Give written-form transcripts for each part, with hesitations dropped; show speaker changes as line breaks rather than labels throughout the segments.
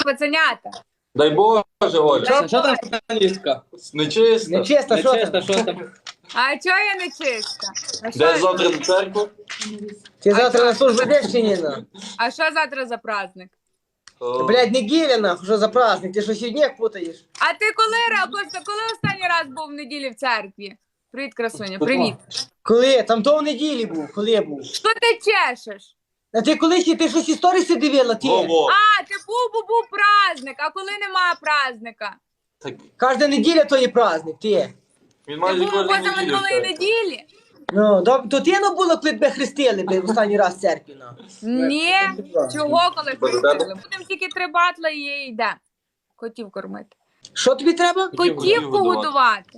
пацанята.
Дай Боже, Оля.
Що там сатаністка?
Нечисто.
Нечисто, що
Нечесно,
там?
що там?
А чого я не чиста?
Де завтра до церкви?
Ти завтра на службу йдеш чи ні?
А що завтра за праздник?
Блядь, неділя нахуй, що за праздник? Ти що сьогодні путаєш?
А ти коли останній раз був в неділі в церкві? Привіт, красуня, привіт.
Коли? Там то в неділі був, коли я був.
Що ти чешеш?
А ти коли ще ти щось історії дивила, ти?
Во-во.
А, ти був праздник, а коли немає праздника?
Так,
Кожна неділя то є праздник, ти.
він
Ти
майже
був
кожну неділю.
позаминулої
в церкві.
неділі?
Ну, то ти не було, коли тебе хрестили, блядь, в останній раз в церкві, ну.
Ні, чого коли
Бо
хрестили? Будемо тільки 3 батла і йде. Котів кормити.
Що тобі треба?
Котів погодувати.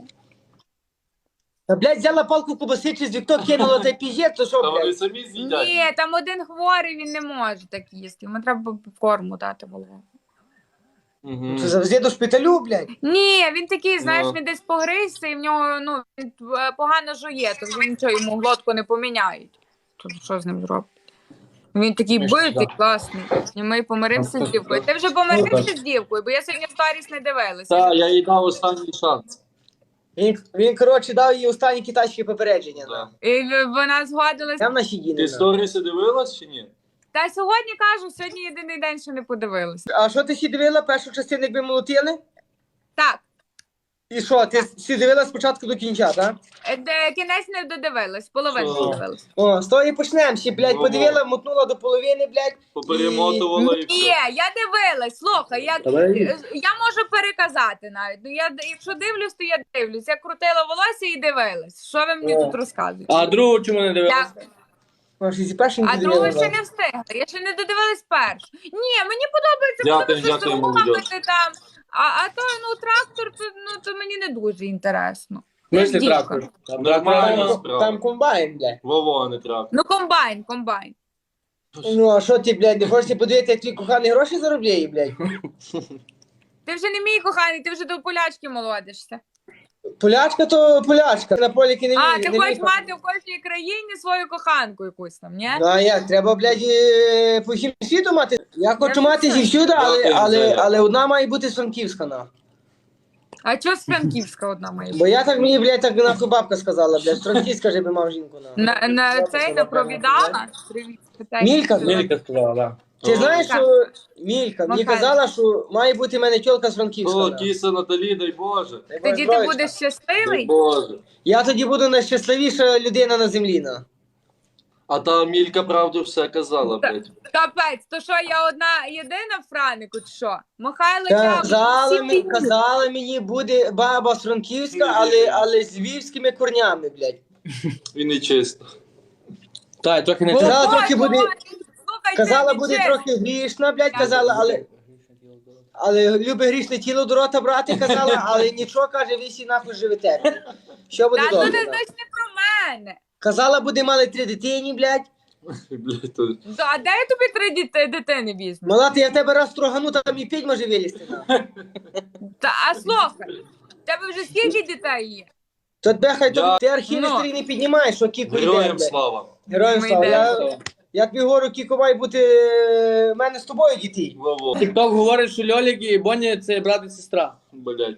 Та, блядь, взяла палку кубаси через вікно, кинула та піжет, то що,
Та вони
блядь?
самі з'їдять.
Ні, там один хворий, він не може так їсти. Йому треба корму дати голову.
Мгм.
Що, завжди до шпиталю, блядь?
Ні, він такий, знаєш,
Ну.
він десь погризся і в нього він погано жує, то вже нічого йому глотку не поміняють. То що з ним зробити? Він такий битий, класний. І ми помирився з дівкою. Ти вже помирився з дівкою, бо я сьогодні сторіс не дивилася.
Та, я їй дав останній шанс.
Він, коротше, дав їй останні китайські попередження.
Да.
Да.
І вона згодилася.
Я в нашій діні.
Ти сторіси дивилась чи ні?
Та сьогодні кажу, сьогодні єдиний день, що не подивилася.
А що ти ще дивила? Першу частину, якби молотили?
Так,
І що, ти всі дивила спочатку до кінця, так?
кінець не додивилась, половину
Що?
додивилась.
О, з того і почнемо. Ще, блядь,
Ну,
подивила, мотнула до половини, блядь.
Поперемотувала і
Ні,
все.
я дивилась, слухай, я можу переказати навіть. Ну, якщо дивлюсь, то я дивлюсь. Я крутила волосся і дивилась. Що ви мені
О.
тут розказуєте?
А другу чому не дивилась?
Дякую.
Може, зі першим
А
не
другу
дивила.
ще не встигла. Я ще не додивилась першу. Ні, мені подобається, коли
Дякую,
ви щось
дякую,
ламати
молодь.
там. А то, трактор, то мені не дуже інтересно.
Мислі
Дівка.
трактор. Там
Нормально.
трактор.
Там комбайн, блядь.
Вово, не трап.
Ну, комбайн.
Ну, а що ти, блядь, не хочеш подивитися, як твій коханий гроші заробляє, блядь?
Ти вже не мій коханий, ти вже до полячки молодишся.
Полячка то полячка. На поліки не
А,
вміє.
ти
не
хочеш
вміє.
мати в кожній країні свою коханку якусь там, ні?
Ну, а як? Треба, блядь, по всім світу мати. Я хочу
не
мати
знаю.
зівсюди,
Дякую, Зоя.
але одна має бути з Франківська, на.
А чого з Франківська одна моя?
Бо я так мені, блядь, так нахуй бабка сказала, блядь, з Франківська же би мав жінку, на.
На цей не провідала? Привіт, питай.
Мілька,
Мілька сказала, да.
Ти знаєш,
Мілька.
що Мілька мені
Михайло.
казала, що має бути в мене тьолка з Франківська.
О,
на.
кіса Наталі, дай Боже.
Тоді ти будеш
Дай
щасливий?
Боже.
Я тоді буду найщасливіша людина на землі, на.
А та Мілька правду все казала, блядь.
Капець, то що я одна єдина в Франику, чи що? Михайло Чабуш,
Казала мені, буде баба з Франківська, але з львівськими корнями, блядь.
Він не чисто.
Так, трохи не
Казала,
чесно.
трохи буде, казала, буде трохи грішна, блядь, казала, але любить грішне тіло до рота брати, казала, але нічого, каже, ви всі нахуй живете. блядь. Що буде
Та ну
добре?
не
на.
значить не про мене.
Казала, буде мали 3 дитині, блядь.
Блядь, то...
А де я тобі 3 дитини візьму?
Мала, ти я в тебе раз строгану, там і 5 може вилізти. на.
А слухай, в тебе вже скільки дітей є?
То тебе хай
Я-
ти архіви
Ну.
старі не піднімаєш, що Кіко йде,
Героям
блядь.
слава.
Героям
Ми
слава.
йдемо.
Я тобі говорю, Кіко має бути в мене з тобою дітей.
Вово.
Тікток говорить, що Льолік і Боня це брат і сестра.
Блядь.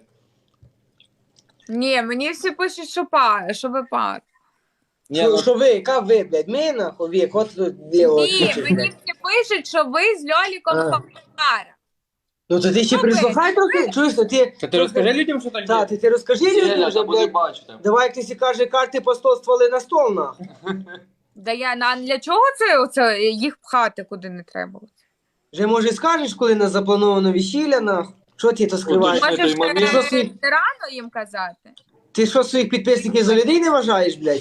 Ні, мені всі пишуть, що ви пар.
Ні, ну,
Що ви, яка ви, блядь, ми нахуй, вік, от тут ліво.
Ні, мені всі пишуть, що ви з Льоліком
А.
пара.
Ну то ти ще
Ну,
прислухай трохи, чуєш, то ти...
Та ти розкажи людям, що так
Так,
є?
ти розкажи людям
Я
вже,
буде
блядь.
бачити.
Давай, як ти сі каже, карти по 100 стволи на стол, нахуй.
Да я для чого це їх пхати куди не треба?
Вже, може, скажеш, коли нас заплановано весілля, нахуй? Що ти то скриваєш?
Уточни.
Можеш
той момент.
Що ти-
рано їм казати.
Ти що, своїх підписників за людей не вважаєш, блядь?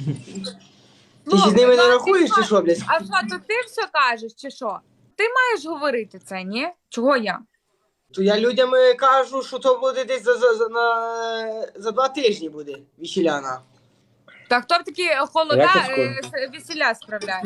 Ти ще з ними не рахуєш, чи що, блядь?
А що, то ти все кажеш, чи що? Ти маєш говорити це, ні? Чого я?
То я людям кажу, що то буде десь за 2 тижні буде весілля, нахуй.
Та хто в такі холода
Якось
весілля справляє?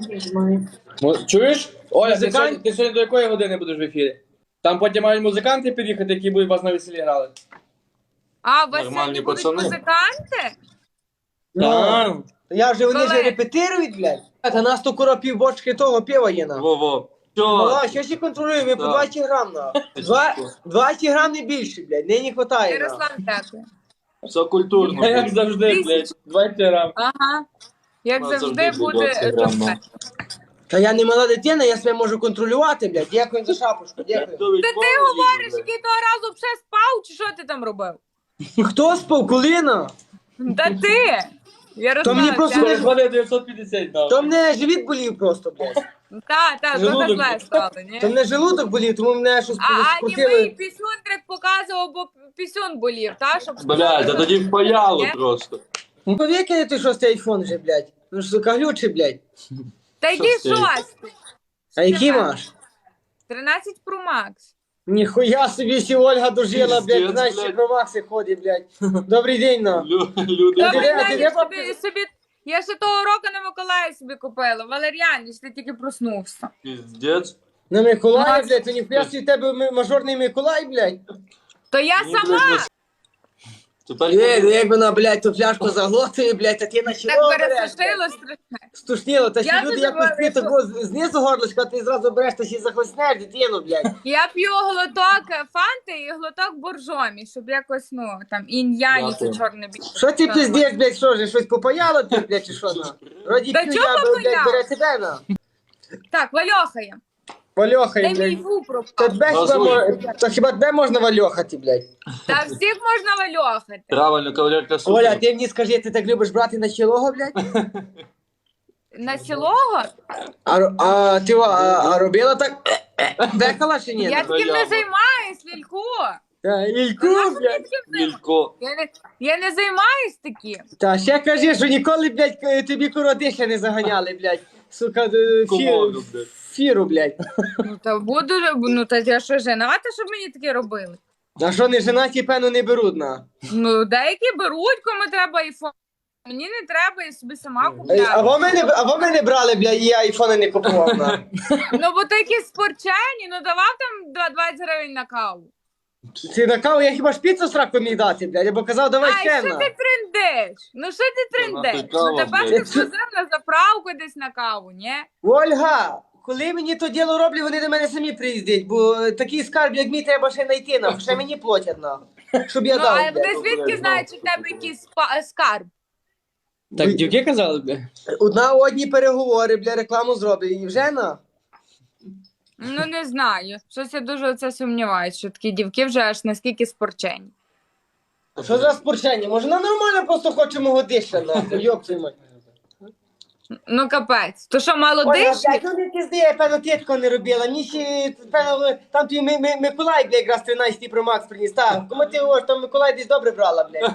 Чуєш? Оля,
Музикант-
ти сьогодні до якої години будеш в ефірі? Там потім мають музиканти під'їхати, які будуть вас на весіллі грали.
А, у вас
Нормальні
сьогодні будуть
пацани.
музиканти?
Так.
Я вже вони
Коли?
вже репетирують, блядь. А нас то кура півбочки того пива є, нахуй.
Вово.
Мала, що ще контролюємо? Ми по
Так.
20 грам, на. 20 грам не більше, блядь, не хватає, на.
Ярослав, дякую.
Все культурно.
А як завжди, блядь, 20 грам.
Ага. Як
Ну,
завжди
завжди
буде
20 грам,
жовте.
Та я не мала дитина, я себе можу контролювати, блядь. Дякую за шапочку, дякую.
Та ти говориш, який того разу вже спав, чи що ти там робив?
Хто спав? Коліна?
Та ти! Ярослав,
То мені просто
це-
Переходить 950 дав.
То мене живіт болів просто, блядь.
Та,
Желудок.
трохи зле стало, ні?
То мене желудок болів, тому мене щось
А німий
скрутили.
пісюндрик показував, бо пісюн болів, та? Щоб
Блядь, а тоді впаяло
Ні?
просто.
Ну повікай ти шостий айфон вже, блядь. Ну ж, сука, глючий, блядь.
Та який
Що це?
шостий?
А який маєш?
13 Pro Max.
Ніхуя собі сі Ольга дожила,
Пиздец,
блядь, знаєш,
блядь.
ще про Макси ходить, блядь. Добрий день, на.
Люди.
Та
ти де-
мене
ти де
я
папір-
собі, я ще того року на Миколаї собі купила. Валер'яніч, ти тільки проснувся.
Піздець.
На Миколая,
Ну,
блядь, то ніхуя собі в тебе мажорний Миколай, блядь.
То я
Ні,
сама
блядь, Тепер
Як вона, блядь, ту фляжку заглотує, блядь, а ти на чоло
так
береш, блядь.
пересушила страшне.
Стушніло, та ще
Я
люди
тут
якось
говорю,
п'ють тако знизу горлышка, а ти зразу береш та ще захлеснеш дитину, блядь.
Я п'ю глоток фанти і глоток боржомі, щоб якось, ну, там, інь-янь, і
Дякую.
це чорне біле.
Що ти пиздеш, блядь, що ж, щось попаяло ти, блядь, чи що, на? Роді
Та
п'ю
чого
я, блядь,
попаяло?
бере тебе, на.
Так, Вальохає.
Вальохай,
Дай мій
блядь.
ву
Та
пропав.
тебе хіба,
Газуй.
та хіба тебе можна вальохати, блядь?
Та всіх можна вальохати.
Правильно, кавалерка супер.
Оля, ти мені скажи, ти так любиш брати на чолого, блядь?
На сілого?
А ти робила так? Декала чи ні?
Я таким не
яма.
займаюсь, Лілько.
Ільку, блядь.
Мілько.
Я не займаюсь таким.
Та ще кажи, що ніколи, блядь, тобі коротище не заганяли, блядь. Сука,
Комоду, блядь.
фіру, блядь.
Ну та буду, ну та я що жената, щоб мені таке робили?
А що не женаті, певно, не беруть, на.
Ну, деякі беруть, кому треба айфон. Мені не треба, я собі сама
А
купляю.
ви мене брали, блядь, і я айфони не купував, на.
Ну, бо такі спорчені, ну давав там 20 гривень на каву.
Ти на каву, я хіба ж піцу сраку міг дати, блядь, або казав, давай
Ай,
ще,
що
на.
ти трендиш? Ну, що ти трендиш?
нахуй кава,
Ну, тепер
блядь.
ти сходив на заправку десь на каву, ні?
Ольга, коли мені то діло роблять, вони до мене самі приїздять, бо такий скарб, як мій, треба ще знайти, на. Ще мені платять, на. Щоб я
Ну,
дав,
а
блядь.
вони звідки знають, що в тебе якийсь скарб?
Так, дівки казали, бля?
Одна одні переговори, бля, рекламу зроблять, і вже, на.
Ну, не знаю. Щось я дуже оце сумніваюся, що такі дівки вже аж наскільки спорчені.
Що за спорчення? Може, вона нормально просто хоче мого диша, нахуй, йоп твою мать.
Ну, капець. То що, мало
Ольга,
дишні?
блядь, ну не пізди, я, певно, ти такого не робила. Мені ще, певно, там твій Миколай, блядь, якраз 13 Pro Max приніс. Так, кому ти говориш, там Миколай десь добре брала, блядь.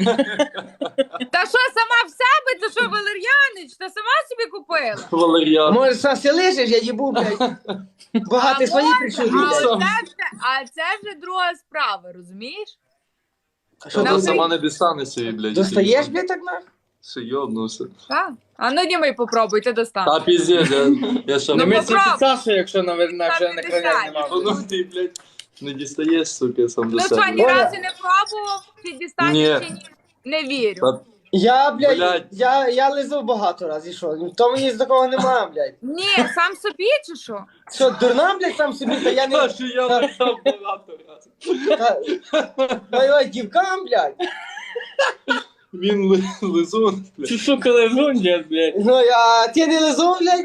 Та що, сама в себе? Та що, Валер'янич? Та сама собі купила?
Валер'ян.
Може, все лишиш, я їбу, блядь. Багато свої причуди, блядь.
А це вже друга справа, розумієш?
Що
Нам
ти сама не дістанешся, і, блядь.
Достаєш, блядь, так нахуй?
Все йобнувся.
Так. А ну німей попробуй, ти достань.
Та піздець, я ще
Ну,
Не
не...
місці
попробуй.
під Сашою, якщо на вже
Там
на
не
крайняк
десять.
нема.
Ну ти, блядь, не дістаєш, сука, сам до
Ну що, ні
себе.
разу не пробував, чи дістанеш,
Ні.
чи ні? Не вірю.
Та
Я, блядь,
Блядь.
я лизав багато разів, і що? То мені з такого немає, блядь.
Ні, сам собі чи що?
Що, дурна, блядь, сам собі, та я не...
що я написав багато разів.
Ой, дівкам, блядь.
Він лизун, блядь.
Ти сука лежун, дід, блядь.
Ну, а ти не лизав, блядь?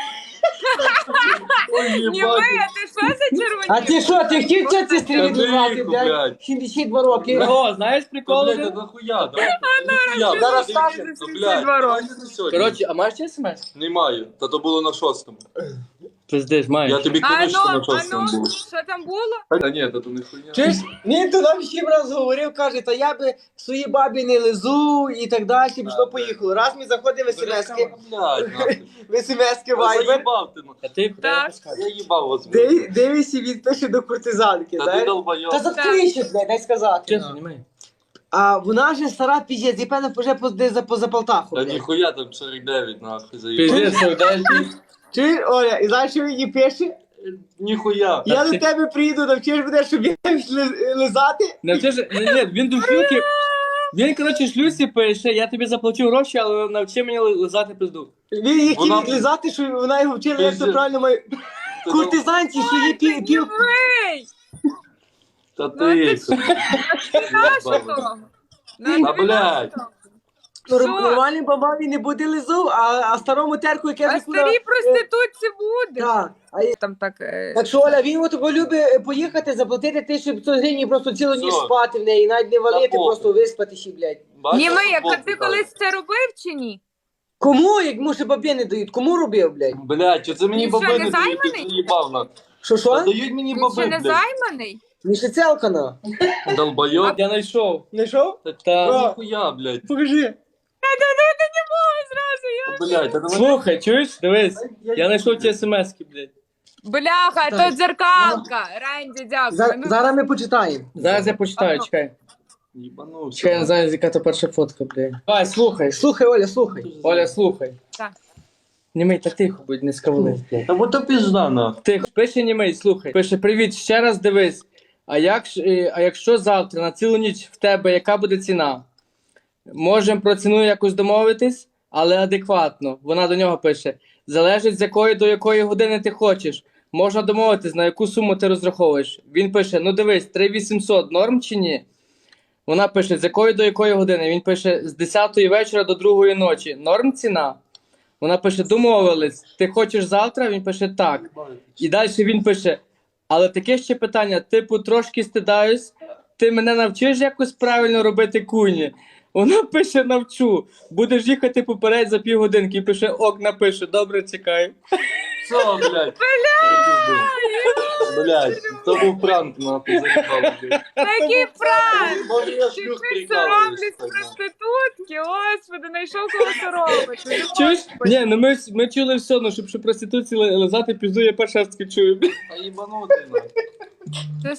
Ой,
Німей,
їбать.
а ти що за червоні?
А ти що, ти хотів це
Та
стрілі лизати,
тихо,
блядь?
блядь.
72 роки.
О, знаєш
Та,
прикол?
блядь,
вже?
та нахуя, да? Нахуя,
зараз
блядь,
скажеш,
ну,
72
блядь,
роки.
давай не сьогодні.
Коротше, а маєш ті смс?
Немає, та то було на 6-му.
Пиздиш, маєш.
Я тобі
А
кажу, що на
ну,
6-му був.
що там було?
Та ні, та то не хуйня.
Чуєш? Він то нам ще раз говорив, каже, та я би своїй бабі не лизу і так далі, пішло поїхало. Раз ми заходимо в смс-ки,
Блядь, нахуй.
в смс-ки
Та
Viber,
заїбав ти, ну.
А ти
Так.
Я їбав вас, блядь.
дивишся, він пише до куртизанки,
Та ти
знаєш?
долбойоб.
Та заткнись, блядь, дай сказати.
Чесно, немає.
А вона же стара піздець, і певно вже поза Полтаху,
Та
блядь.
ніхуя там 49, нахуй, заїбав.
Пиздиш, совдаєш.
Чуєш, Оля, і знаєш, що мені пише?
Ніхуя.
Я до тебе приїду, навчиш мене, щоб я лизати.
Навчиш, ні, він до шлюхи. Він, коротше, шлюсі пише, я тобі заплачу гроші, але навчи мені лизати пизду.
Він їх
Вона-
хотів лизати, що вона його вчила, як це
Пиздець.
правильно має... куртизанці, що є пів...
Ей!
Та
Ну,
ти.
ти нащо того? Ну,
Та,
тобі
блядь.
нащо?
Ну,
Що?
нормальним бабаві не буде лизу, а старому терку, яке
А
вже куди...
старій проститутці буде.
Так.
Там так...
Так що, Оля, він от любить поїхати, заплатити 1500 гривень і просто цілу ніч
Все.
спати в неї, навіть не валити,
похуй.
просто виспатися, блядь.
Бачиш,
Німий,
футбол
а ти
питали.
колись це робив чи ні?
Кому, як му ще бабі не дають? Кому робив, блядь?
Блядь, чи це мені
Він що,
баби
не
не дають, ти
займаний?
заїбав на.
Що?
Та дають мені
Він ще
баби,
не
блядь.
займаний?
Мішицелка на.
Долбойоб.
Я знайшов.
Знайшов?
Та.
Ніхуя, блядь.
Покажи.
Блядь, та давай.
Слухай, чуєш? Дивись. Я знайшов ті смс-ки, блядь.
Бляха,
Так.
то дзеркалка. Ренді, дякую. Ну,
Зараз ми почитаємо.
Зараз я почитаю, чекай.
Їбанувся.
Чекай, я не знаю, яка то перша фотка, блядь. Давай, слухай.
Слухай, Оля, слухай.
Оля, слухай.
Так.
Німей, та тихо, будь, не скавли.
Та бо то пізда, на.
Тихо. Пише Німей, слухай. Пише, привіт, ще раз дивись. А якщо завтра на цілу ніч в тебе, яка буде ціна? Можемо про ціну якось домовитись, але адекватно. Вона до нього пише, залежить з якої до якої години ти хочеш. Можна домовитись, на яку суму ти розраховуєш. Він пише, ну дивись, 3800 норм чи ні? Вона пише, з якої до якої години? Він пише, з 10 вечора до 2 ночі. Норм ціна? Вона пише, домовились. Ти хочеш завтра? Він пише, так. І далі він пише, але таке ще питання, типу, трошки стидаюсь, ти мене навчиш якось правильно робити куні? Вона пише, навчу. Будеш їхати поперед за півгодинки. І пише, ок, напише, добре, чекаю.
Що, блядь? Блядь, то був пранк, нахуй, заїбав, блядь.
Такий пранк!
Може я
Ти
шлюх
соромлюсь
прикалуюсь.
проститутки, господи, знайшов кого соромити.
Чуєш? Ні, ну ми чули все, ну щоб проституції лизати пізду, я перший раз таки чую.
Та їбанутий, нахуй.